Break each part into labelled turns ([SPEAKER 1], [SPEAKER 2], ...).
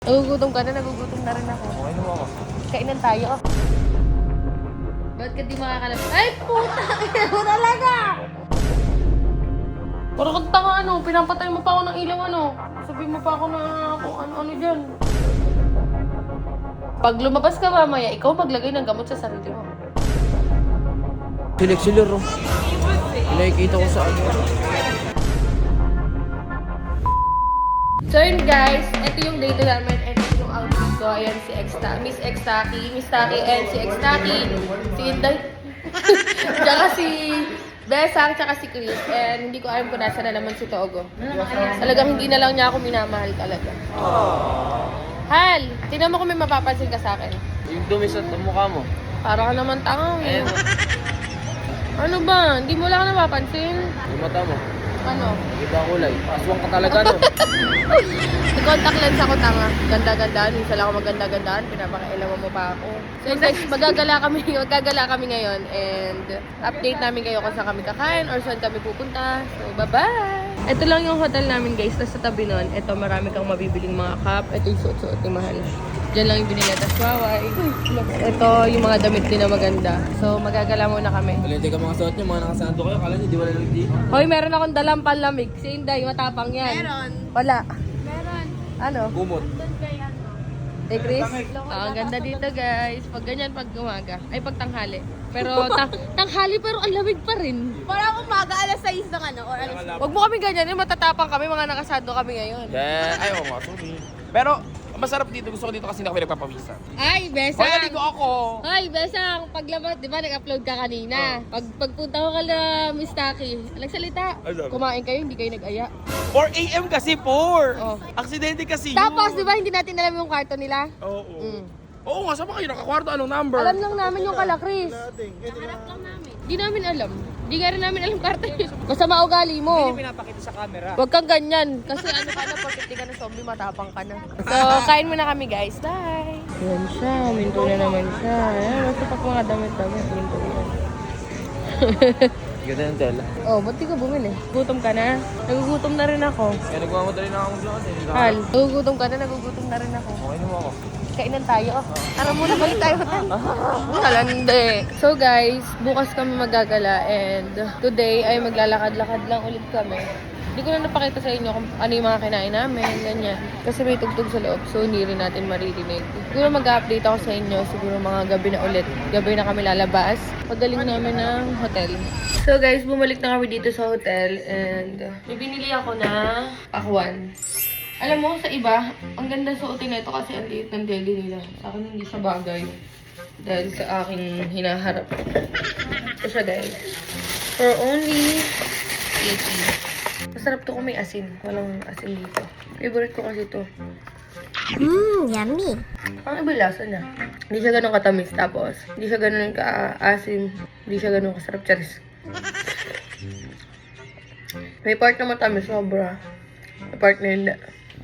[SPEAKER 1] Nagugutom ka na, nagugutom na rin ako.
[SPEAKER 2] Okay naman ako.
[SPEAKER 1] Kainan tayo. Ba't ka di makakalap? Ay, puta! Ina mo talaga! Parang kang tanga ano, pinapatay mo pa ako ng ilaw ano. Sabihin mo pa ako na kung ano-ano dyan. Pag lumabas ka mamaya, ikaw maglagay ng gamot sa sarili mo.
[SPEAKER 2] Silik-silir oh. Nakikita ko sa ano.
[SPEAKER 1] So yun guys, ito yung date namin and ito yung outfit ko. Ayan si Miss X-Taki, and si X-Taki, si Inday, tsaka si Besang, tsaka si Chris. And hindi ko alam kung nasa na naman si Togo. Talagang hindi na lang niya ako minamahal talaga. Hal, tingnan mo kung may mapapansin ka sa akin.
[SPEAKER 2] Yung dumi sa mukha mo.
[SPEAKER 1] Para ka naman tanga eh.
[SPEAKER 2] Ayan.
[SPEAKER 1] Ano ba? Hindi mo lang napapansin?
[SPEAKER 2] Yung mata mo.
[SPEAKER 1] Ano?
[SPEAKER 2] Iba kulay. Aswang ka talaga no.
[SPEAKER 1] Contact lens ako tanga. Ganda-gandaan. Minsan lang ako maganda-gandaan. Pinapakailaman mo pa ako. So guys, magagala kami ngayon. And update namin kayo kung saan kami kakain or saan kami pupunta. So bye-bye! Ito lang yung hotel namin guys. Tapos sa tabi nun, ito marami kang mabibiling mga cup. Ito yung suot-suot ni Mahal. Diyan lang yung binili. Tapos waway. Ito yung mga damit din na maganda. So magagala muna kami.
[SPEAKER 2] Alin, teka mga suot nyo. Mga nakasando kayo. Kala nyo di wala lang di.
[SPEAKER 1] Hoy, meron akong dalang panlamig. Si Inday, matapang yan.
[SPEAKER 3] Meron.
[SPEAKER 1] Wala.
[SPEAKER 3] Meron.
[SPEAKER 1] Ano?
[SPEAKER 2] Gumot.
[SPEAKER 3] Doon kay ano.
[SPEAKER 1] Hey Chris, ang ganda dito guys. Pag ganyan, pag umaga. Ay, pag tanghali. Pero tanghali pero ang lamig pa rin.
[SPEAKER 3] Parang umaga, alas 6 ng ano, or alas...
[SPEAKER 1] Huwag mo kami ganyan. Yung matatapang kami, mga nakasado kami ngayon.
[SPEAKER 2] Yeah. Ay, oo nga. Sorry. Pero, masarap dito. Gusto ko dito kasi hindi ako pinagpapawisan.
[SPEAKER 1] Ay,
[SPEAKER 2] Hoy,
[SPEAKER 1] Besang!
[SPEAKER 2] naligo ako.
[SPEAKER 1] Hoy, Besang! Paglabas, di ba nag-upload ka kanina? Pagpunta ko kala Miss Taki, nagsalita.
[SPEAKER 2] Ay, sabi.
[SPEAKER 1] Kumain kayo, hindi kayo nag-aya.
[SPEAKER 2] 4 a.m. kasi, 4.
[SPEAKER 1] Oh.
[SPEAKER 2] Aksidente kasi
[SPEAKER 1] Tapos, di
[SPEAKER 2] yun.
[SPEAKER 1] ba hindi natin alam yung kwarto nila?
[SPEAKER 2] Oo.
[SPEAKER 1] Mm.
[SPEAKER 2] Oo nga, saan ba kayo nakakwarto? Anong number?
[SPEAKER 1] Alam lang namin yung kala Chris.
[SPEAKER 3] Nahanap lang namin.
[SPEAKER 1] Di namin alam. Di nga rin namin alam kwarto yun. Basta maugali mo.
[SPEAKER 2] pinapakita sa camera.
[SPEAKER 1] Huwag kang ganyan. Kasi ano ka na, porkit di ka na zombie, matapang ka na. So, kain muna kami guys. Bye! Yan siya. Minto na naman siya. Ayan, basta pag mga damit-damit, minto yan.
[SPEAKER 2] Ganda ng tela.
[SPEAKER 1] Oh, ba't di ka bumili? Gutom ka na? Nagugutom na rin ako.
[SPEAKER 2] Kaya nagmamadali na akong vlog eh.
[SPEAKER 1] Hal, nagugutom ka na, nagugutom na rin ako.
[SPEAKER 2] Okay naman ako.
[SPEAKER 1] Kainan tayo. Tara muna, balik tayo. Kalande. So guys, bukas kami magagala and today ay maglalakad-lakad lang ulit kami. Hindi ko na napakita sa inyo kung ano yung mga kinain namin, ganyan. Kasi may tugtog sa loob, so hindi rin natin maririnig. Siguro mag-update ako sa inyo, siguro mga gabi na ulit. Gabi na kami lalabas. Pagaling namin ng hotel. So guys, bumalik na kami dito sa hotel and may binili ako na pakwan. Alam mo, sa iba, ang ganda suotin na ito kasi ang liit ng deli nila. Sa akin hindi siya bagay. Dahil sa aking hinaharap. Ito siya guys. For only 80. Masarap to kung may asin. Walang asin dito. Favorite ko kasi ito.
[SPEAKER 3] Yummy.
[SPEAKER 1] Ang iba lasa niya. Hindi siya ganun katamis. Tapos, hindi siya ganun ka-asin. Hindi siya ganun kasarap. Charis. May part na matamis. Sobra. May part na hindi.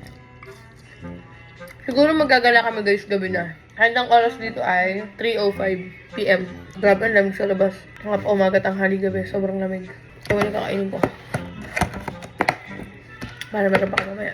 [SPEAKER 1] Siguro magagala kami guys gabi na. Handang oras dito ay 3:05 PM. Grabe ang lamig sa labas. Hanggang umaga, tanghali, gabi. Sobrang lamig. So, wala kakainin ko. Para meron pa mamaya.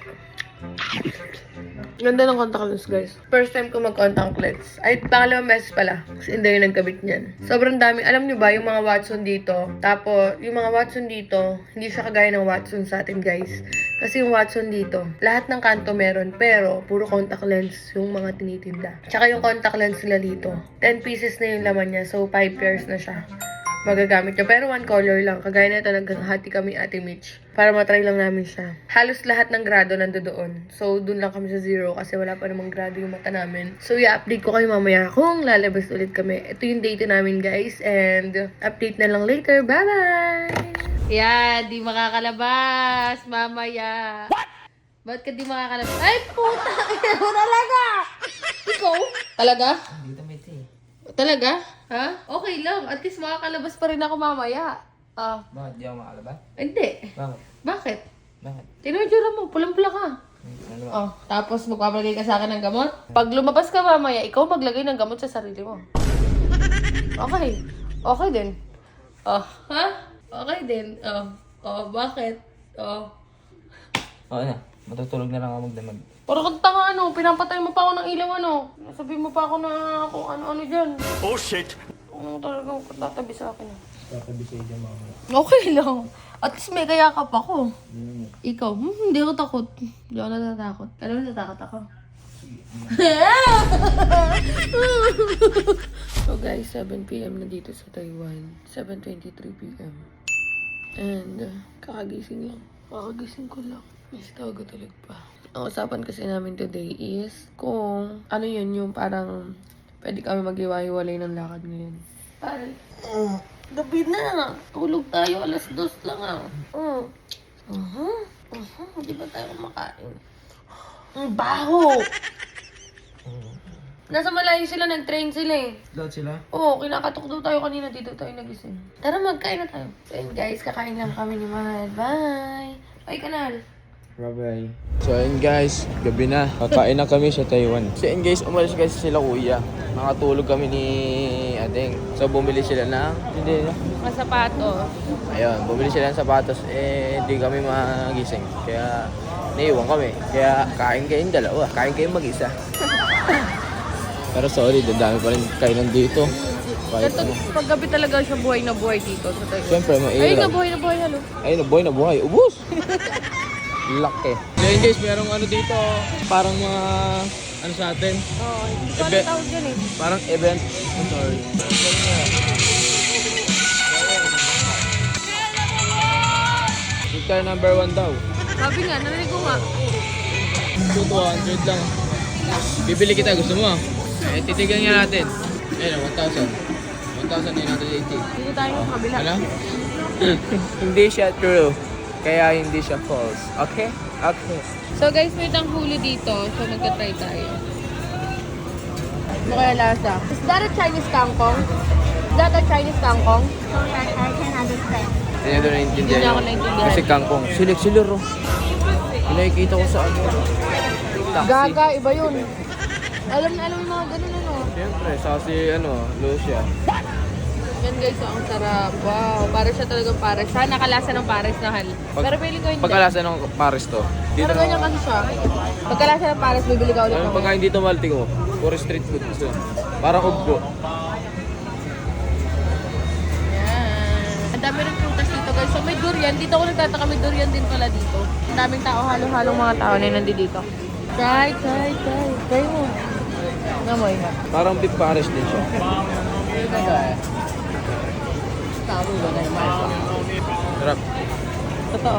[SPEAKER 1] Ganda ng contact lens guys. First time ko mag-contact lens. Ay, pangalawang beses pala. Kasi hindi yung nagkabit niyan. Sobrang dami. Alam nyo ba, yung mga Watson dito. Tapos, yung mga Watson dito, hindi siya kagaya ng Watson sa atin guys. Kasi yung Watson dito, lahat ng kanto meron. Pero, puro contact lens yung mga tinitinda. Tsaka yung contact lens nila dito. 10 pieces na yung laman niya. So, 5 pairs na siya. Magagamit niya. Pero one color lang. Kagaya na ito, naghahati kami Ate Mitch. Para matry lang namin siya. Halos lahat ng grado nandoon. So, dun lang kami sa 0 kasi wala pa namang grado yung mata namin. So, i-update ko kayo mamaya kung lalabas ulit kami. Ito yung date namin, guys. And, update na lang later. Bye-bye! Yeah, di makakalabas. Mamaya. What? Ba't ka di makakalabas? Ay, puta! Ina mo talaga! Ikaw? Talaga?
[SPEAKER 2] Dito may tea.
[SPEAKER 1] Talaga? Ha? Okay lang. At least makakalabas pa rin ako mamaya. Ah.
[SPEAKER 2] Bakit di ako makalabas?
[SPEAKER 1] Hindi.
[SPEAKER 2] Bakit?
[SPEAKER 1] Bakit?
[SPEAKER 2] Bakit?
[SPEAKER 1] Tingnan yung tsura mo. Pulang-pula ka.
[SPEAKER 2] Ano ba?
[SPEAKER 1] Oh, tapos magpapalagay ka sa akin ng gamot. Pag lumabas ka mamaya, ikaw maglagay ng gamot sa sarili mo. Okay. Okay din. Oh, ha? Okay din. Oh. Oh, bakit? Oh.
[SPEAKER 2] Oo na. Matutulog na lang ako magdamag.
[SPEAKER 1] Parang kang tanga, ano, pinapatay mo pa ako ng ilaw, ano. Sabi mo pa ako na kung ano-ano dyan.
[SPEAKER 4] Oh shit!
[SPEAKER 1] Ano talagang tatabi sa akin.
[SPEAKER 5] Tatabi sa iyo, mama.
[SPEAKER 1] Okay lang. At least may kayakap ako. Ikaw, hindi ako takot. Hindi ako natatakot. Alam mo, natatakot ako. So guys, 7 p.m. na dito sa Taiwan. 7:23 p.m. And kakagising lang. Kakagising ko lang. Mas tawag ko tulog pa. Ang usapan kasi namin today is kung ano yun yung parang pwede kami mag-iwa-iwalay ng lakad ngayon. Parang, gabi na. Tulog tayo. 2:00 lang ah. Di ba tayo kumakain? Ang baho! Nasa malayo sila, nag-train sila eh.
[SPEAKER 5] Lahat sila?
[SPEAKER 1] Oo, kinakatok daw tayo kanina. Dito tayo nagising. Tara, magkain na tayo. So yun guys, kakain lang kami ni Mahal. Bye! Bye, kanal!
[SPEAKER 5] Bye-bye. So ayun guys, gabi na. Kakain na kami sa Taiwan. So ayun guys, umalis kasi sila kuya. Nakatulog kami ni Adeng. So bumili sila ng... Hindi na.
[SPEAKER 1] Mga sapatos.
[SPEAKER 5] Ayun, bumili sila ng sapatos. Hindi kami magising. Kaya naiwan kami. Kaya kain kayong dalawa. Kain kayong mag-isa. Pero sorry, dadami pa rin kainan dito. Kahit ano.
[SPEAKER 1] Pag gabi talaga siya buhay na buhay dito sa Taiwan.
[SPEAKER 5] Siyempre,
[SPEAKER 1] Ayun na,
[SPEAKER 5] mairap.
[SPEAKER 1] buhay na buhay. Halo.
[SPEAKER 5] Ayun, na buhay. Ubus! Laki. So yun guys, merong ano dito. Parang mga... Ano sa atin?
[SPEAKER 1] Oo, hindi ko
[SPEAKER 5] Ebe-
[SPEAKER 1] alam tawag yan eh.
[SPEAKER 5] Parang event. I'm sorry. Guitar number 1 daw.
[SPEAKER 1] Sabi nga, narinig ko nga.
[SPEAKER 5] 200 lang. Bibili kita, gusto mo? Titigan nga natin. Ayun, 1,000. 1,980.
[SPEAKER 1] Dito tayo yung kabila.
[SPEAKER 5] Ano? Hindi siya true. Kaya hindi siya false. Okay? Okay.
[SPEAKER 1] So guys, may tanghuli dito. So magka-try tayo. Ano kaya lasa? Is that a Chinese kangkong? Is that a Chinese kangkong?
[SPEAKER 3] I can understand.
[SPEAKER 5] Hindi nyo
[SPEAKER 1] Hindi
[SPEAKER 5] naiintindihan
[SPEAKER 1] niya ako
[SPEAKER 5] yun.
[SPEAKER 1] naintindihan.
[SPEAKER 5] Kasi kangkong. Silik-silir oh. Yung nakikita ko sa ano. Taxi.
[SPEAKER 1] Gaga, iba yun. Alam na alam yung mga ganun ano.
[SPEAKER 5] Siyempre, si ano, Lucia.
[SPEAKER 1] Yan guys, oh, ang sarap. Wow, para siya talagang pares. Siya nakalasa ng pares na hal. Pero feeling ko hindi.
[SPEAKER 5] Pagkalasa ng Paris to. Dito
[SPEAKER 1] Pero ganyan kasi siya. Pagkalasa ng pares, bibili ka ulit
[SPEAKER 5] Ang
[SPEAKER 1] ng
[SPEAKER 5] pagkain dito malti ko. Puro street food. So, parang ugbo.
[SPEAKER 1] Yan. Ang dami rin prutas dito guys. So may durian. Dito ako nagtataka, may durian din pala dito. Ang daming tao, halong-halong mga tao na nandito dito. Try. Try mo. Namoy nga.
[SPEAKER 5] Parang beef Paris din siya. Sarap.
[SPEAKER 1] Totoo.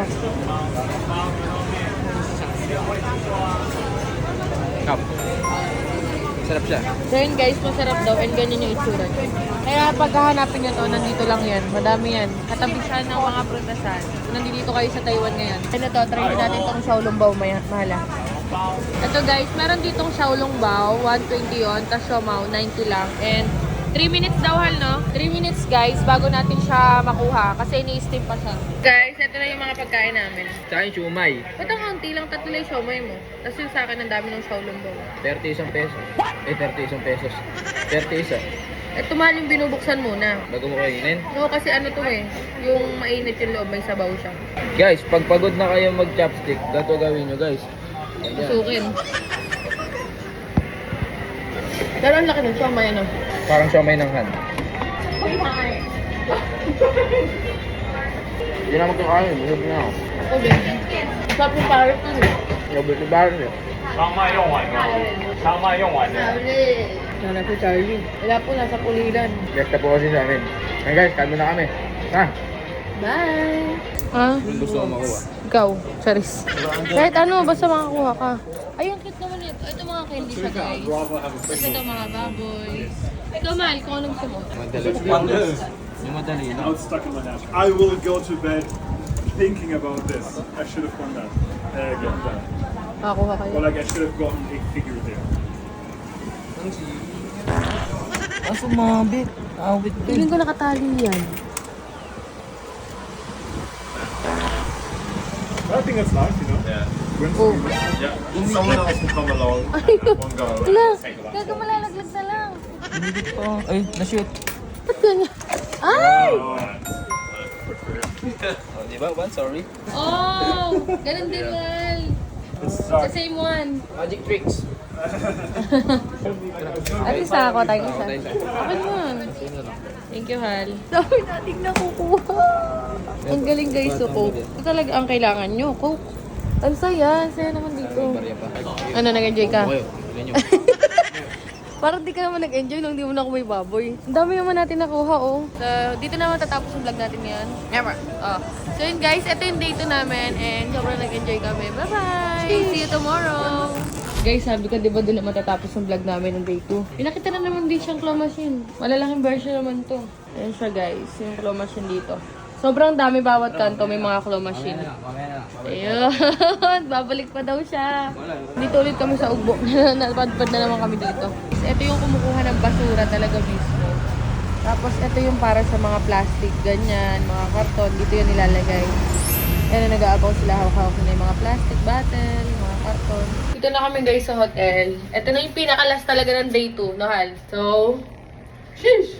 [SPEAKER 5] Kap. Sarap siya.
[SPEAKER 1] So yun guys, masarap daw and ganyan yung itsura niya. Kaya pag hahanapin nyo to, nandito lang yan. Madami yan. Katabi siya ng mga prutasan. Nandito kayo sa Taiwan ngayon. Ano to, try din natin tong Xiaolongbao mahala. Ito guys, meron ditong Xiaolongbao, 120 yun, tapos Xiaomao, 90 lang. And 3 minutes daw hal, no? 3 minutes guys, bago natin siya makuha. Kasi ini-steam pa siya. Guys, ito na yung mga pagkain namin.
[SPEAKER 5] Sa akin, siumay.
[SPEAKER 1] Ba't ang kaunti lang, tatlo lang yung siomay mo? Tapos yung sa akin, ang dami ng Xiaolongbao.
[SPEAKER 5] 31 pesos. 31 pesos. 31.
[SPEAKER 1] Eh, mahal yung binubuksan muna.
[SPEAKER 5] Bago mo kainin.
[SPEAKER 1] No, kasi ano to eh, yung mainit yung loob, may sabaw siya.
[SPEAKER 5] Guys, pag pagod na kayo mag-chopstick, gato gawin nyo guys. Ganyan.
[SPEAKER 1] Susukin. Pero ang laki ng siomay, ano?
[SPEAKER 5] Parang siomay ng han. Hindi na magkakain. Busog na ako.
[SPEAKER 1] Ako din. Sarap yung parrot nun eh.
[SPEAKER 5] Robert ni Baron eh.
[SPEAKER 4] 长麦用完了，长麦用完了。
[SPEAKER 1] Sana po Charlie. Wala po, nasa pulilan.
[SPEAKER 5] Lefta po kasi sa amin. Ngayon guys, kalmo na kami. Ha?
[SPEAKER 1] Bye! Ah?
[SPEAKER 5] Yung gusto ko makuha.
[SPEAKER 1] Ikaw, Charis. Kahit ano, basta makakuha ka. Ay, ang cute naman ito. Ito mga candy siya, guys. Tapos ito mga baboy. Ikaw, Mahal, kung anong gusto mo.
[SPEAKER 5] Madali. Yung madali
[SPEAKER 6] Now it's stuck in my neck. I will go to bed thinking about this. I should have done that. Get that.
[SPEAKER 1] Makakuha kayo.
[SPEAKER 6] Or like I should have gotten a figure there.
[SPEAKER 5] Ah, sumabit. Awit
[SPEAKER 1] Feeling ko nakatali yan.
[SPEAKER 6] I think that's nice, you know? Yeah.
[SPEAKER 1] Oh.
[SPEAKER 6] Yeah. Someone else will come along. One go.
[SPEAKER 1] Wala, gaga malalaglag na lang.
[SPEAKER 5] Hindi pa. Ay, na-shoot.
[SPEAKER 1] Ba't ganyan? Ay!
[SPEAKER 5] Oh, di ba? One, sorry.
[SPEAKER 1] Oh! Ganun din, Mahal.
[SPEAKER 6] It's
[SPEAKER 1] The
[SPEAKER 6] dark.
[SPEAKER 1] same one.
[SPEAKER 5] Magic tricks.
[SPEAKER 1] At least nakakuha tayo isa.
[SPEAKER 5] Tayo isa.
[SPEAKER 1] Okay naman.
[SPEAKER 5] Sino lang?
[SPEAKER 1] Thank you, Hal. Dami nating nakukuha. Ang galing guys, so Coke. Ito talaga ang kailangan nyo, Coke. Ang saya. Ang saya naman dito.
[SPEAKER 5] Barya pa.
[SPEAKER 1] Ano, nag-enjoy ka?
[SPEAKER 5] Okay, ilan nyo?
[SPEAKER 1] Parang di ka naman nag-enjoy nung di mo na may baboy. Ang dami naman natin nakuha, oh. So, dito naman tatapos yung vlog natin ngayon. Never. Oh. So yun guys, ito yung day 2 namin and sobrang nag-enjoy kami. Bye-bye! See you tomorrow! Guys, sabi ko, di ba doon na matatapos yung vlog namin ng day 2? Pinakita na naman din siyang claw machine. Malalaking version naman to. Ayan siya guys, yung claw machine dito. Sobrang dami bawat kanto, may mga claw machine. Ayun, babalik pa daw siya. Dito ulit kami sa ugbo. Napadpad na naman kami dito. Ito yung kumukuha ng basura talaga mismo. Tapos ito yung para sa mga plastic, ganyan, mga karton. Dito yung nilalagay. Ayan, nag-aabaw sila hawak-hawak na yung mga plastic bottle, mga karton. Dito na kami guys sa hotel. Ito na yung pinakalas talaga ng day 2, no Hal? So, sheesh!